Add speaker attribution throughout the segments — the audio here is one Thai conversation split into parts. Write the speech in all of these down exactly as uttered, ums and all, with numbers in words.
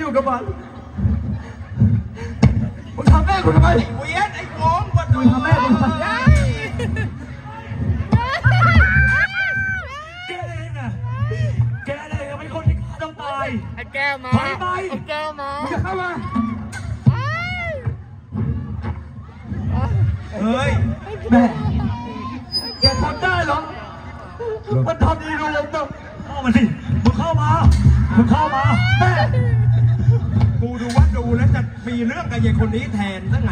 Speaker 1: อยู่กับมันมึงทำแม่กูทำไม
Speaker 2: เวียนไอ้โง่กว่า
Speaker 1: มึงทำแม่กูทำไมแกเองอะแกเองเป็นคนที่ฆ่าต้องตาย
Speaker 3: ไอ้แก้วมา
Speaker 1: ถอยไป
Speaker 3: ไอ้แก้วมา
Speaker 1: มึงจะเข้ามา
Speaker 2: เฮ้ย
Speaker 1: แม่แกทำได้เหรอมันทำดีรู้ยังต้องเข้ามาสิมึงเข้ามามึงเข้ามาแม่
Speaker 2: กูดูว่าดูแล้วจะมีเรื่องกับยายคนนี้แทนซะไง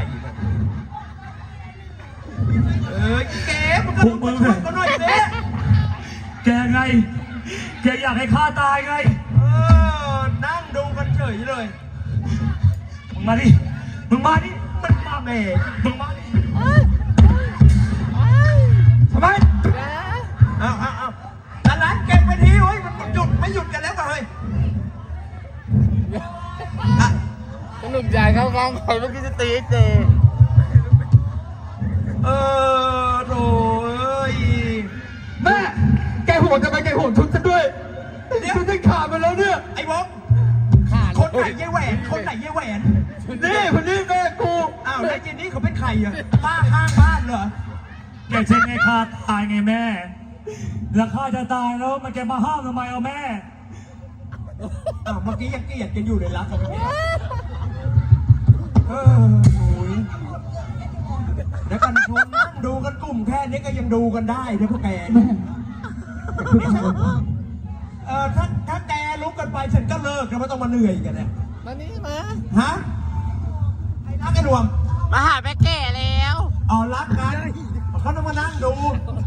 Speaker 2: เอ้ยแกมึงก็ต้องช่วยกันหน่อยสิ
Speaker 1: แกไงแกอยากให้ข้าตายไง
Speaker 2: เออนั่งดูกันเฉยเลย
Speaker 1: มึงมาดิมึงมาดิมันมาแม่มึงมาดิทำไม
Speaker 2: เอาเอาเอาแต่ร้านเก็บไปทีเฮ้ยมันหยุดไม่หยุดกันแล้วกันเฮ้ย
Speaker 3: หนุ่มใหญ่เข้าข้างใครเมื่อกี้จะตีเจ
Speaker 2: เออโถ่เอ้ย
Speaker 1: แม่แกโหดทำไมแกโหดชุดฉันด้วยชุดฉันขาดไปแล้วเนี่ย
Speaker 2: ไอ้บอมคนไหนยายแหวนคนไหนยายแหวน
Speaker 1: นี่คนนี้แม่กู
Speaker 2: อ้าวแล้วเจนนี่เขาเป็นใครอ่ะป้าข้างบ้านเหรอ
Speaker 1: แกเช็คไงข้าตายไงแม่แล้วข้าจะตายแล้วมันแกมาห้ามทำไมเอาแม่
Speaker 2: อ้าวเมื่อกี้ยังเกลียดกันอยู่เลยรักกันเนี่ยเออโอ้ยแล้วกันชนนั่งดูกันกลุ่มแค่นี้ก็ยังดูกันได้นะพวกแกเออถ้าถ้าแกลุกกันไปฉันก็เลิกแล้วไม่ต้องมาเหนื่อยกันเนี่ย
Speaker 3: มานี่มา
Speaker 2: ฮะไอ้รักไอ้รวม
Speaker 3: มาหาแม่แก่แล้ว
Speaker 2: อ๋อรักกันเขาต้องมานั่งดู